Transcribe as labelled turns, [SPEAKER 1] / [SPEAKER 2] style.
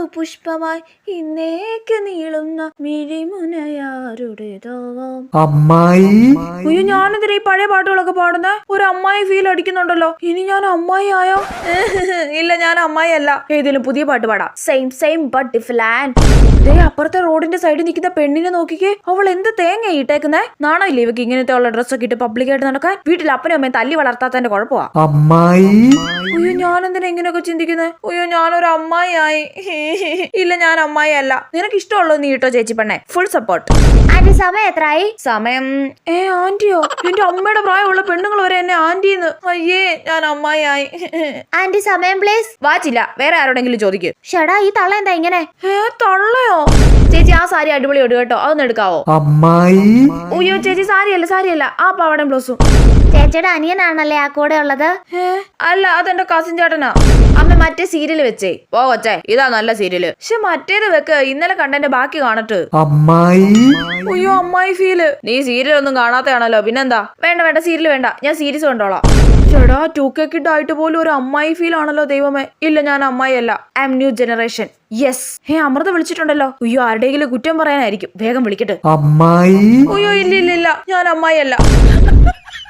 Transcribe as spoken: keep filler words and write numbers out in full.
[SPEAKER 1] പുഷ്പമായി ഇന്നേക്ക് നീളുന്ന മിഴിമുനയാരുടേതാവാം.
[SPEAKER 2] അമ്മായി.
[SPEAKER 1] അയ്യോ, ഞാനെന്തിനാ ഈ പഴയ പാട്ടുകളൊക്കെ പാടുന്നേ? ഒരു അമ്മായി ഫീൽ അടിക്കുന്നുണ്ടല്ലോ. ഇനി ഞാൻ അമ്മായി ആയോ? ഇല്ല, ഞാൻ അമ്മായി അല്ല. ഏതെങ്കിലും പുതിയ പാട്ട് പാടാം. Same same but different. ദേ അപ്പുറത്തെ റോഡിന്റെ സൈഡിൽ നിൽക്കുന്ന പെണ്ണിനെ നോക്കിക്കേ. അവൾ എന്ത് തേങ്ങ ഇട്ടേക്കുന്നേ? നാണമില്ലേ ഇവക്ക് ഇങ്ങനത്തെ ഉള്ള ഡ്രസ്സൊക്കെ ഇട്ട് പബ്ലിക്കായിട്ട് നടക്കാൻ? വീട്ടിൽ അപ്പനും അമ്മയും തല്ലി വളർത്താത്തതിന്റെ കുഴപ്പമാ.
[SPEAKER 2] അമ്മായി.
[SPEAKER 1] അയ്യോ, ഞാൻ എന്തിനാ ഇങ്ങനെയൊക്കെ ചിന്തിക്കുന്നത്? അയ്യോ, ഞാനൊരു അമ്മായി ആയി. ഇല്ല, ഞാൻ അമ്മായി അല്ല. നിനക്ക് ഇഷ്ടമുള്ളത് നീ ഇട്ടോ ചേച്ചി പെണ്ണെ. Full support.
[SPEAKER 3] ആന്റി സമയം എത്രയായി?
[SPEAKER 1] സമയം ഏ ആന്റിയോ? എന്റെ അമ്മയുടെ പ്രായമുള്ള പെണ്ണുങ്ങൾ വരെ എന്നെ ആന്റിന്ന്. അയ്യേ, ഞാൻ അമ്മായി ആയി.
[SPEAKER 3] ആന്റി സമയം പ്ലീസ്.
[SPEAKER 1] വാച്ചില്ല, വേറെ ആരോടെങ്കിലും ചോദിക്കും.
[SPEAKER 3] ഷടാ, ഈ തള്ള എന്താ ഇങ്ങനെ?
[SPEAKER 1] ഏ തള്ളയോ? ചേച്ചി ആ സാരി അടിപൊളിയോട് കേട്ടോ, അതൊന്ന് എടുക്കാവോ?
[SPEAKER 2] അമ്മായി.
[SPEAKER 1] അയ്യോ ചേച്ചി, സാരിയല്ല സാരിയല്ല, ആ പാവടം ബ്ലൗസും.
[SPEAKER 3] ചേച്ചിയുടെ അനിയനാണല്ലേ ആ കൂടെ ഉള്ളത്?
[SPEAKER 1] അല്ല, അതെന്റെ കസിൻ ചേട്ടനാ. അമ്മ മറ്റേ സീരിയല് വെച്ചേ. പോ കൊച്ചേ, ഇതാ നല്ല സീരിയല്. പക്ഷെ മറ്റേത് വെക്ക്, ഇന്നലെ കണ്ടന്റെ ബാക്കി കാണട്ട്.
[SPEAKER 2] അമ്മായി.
[SPEAKER 1] അയ്യോ, അമ്മായി ഫീല്. നീ സീരിയൽ ഒന്നും കാണാത്തയാണല്ലോ, പിന്നെന്താ? വേണ്ട വേണ്ട, സീരിയൽ വേണ്ട, ഞാൻ സീരീസ് കണ്ടോളാം. ചേടാ, ടു കെ കിഡ് ആയിട്ട് പോലും ഒരു അമ്മായി ഫീൽ ആണല്ലോ ദൈവമേ. ഇല്ല, ഞാൻ അമ്മായി അല്ല, I am new generation. Yes. Hey, Amrita വിളിച്ചിട്ടുണ്ടല്ലോ. അയ്യോ, ആരുടെയെങ്കിലും കുറ്റം പറയാനായിരിക്കും. വേഗം വിളിക്കട്ടെ.
[SPEAKER 2] അമ്മായി.
[SPEAKER 1] അയ്യോ, ഇല്ല ഇല്ല ഇല്ല, ഞാൻ അമ്മായി അല്ല.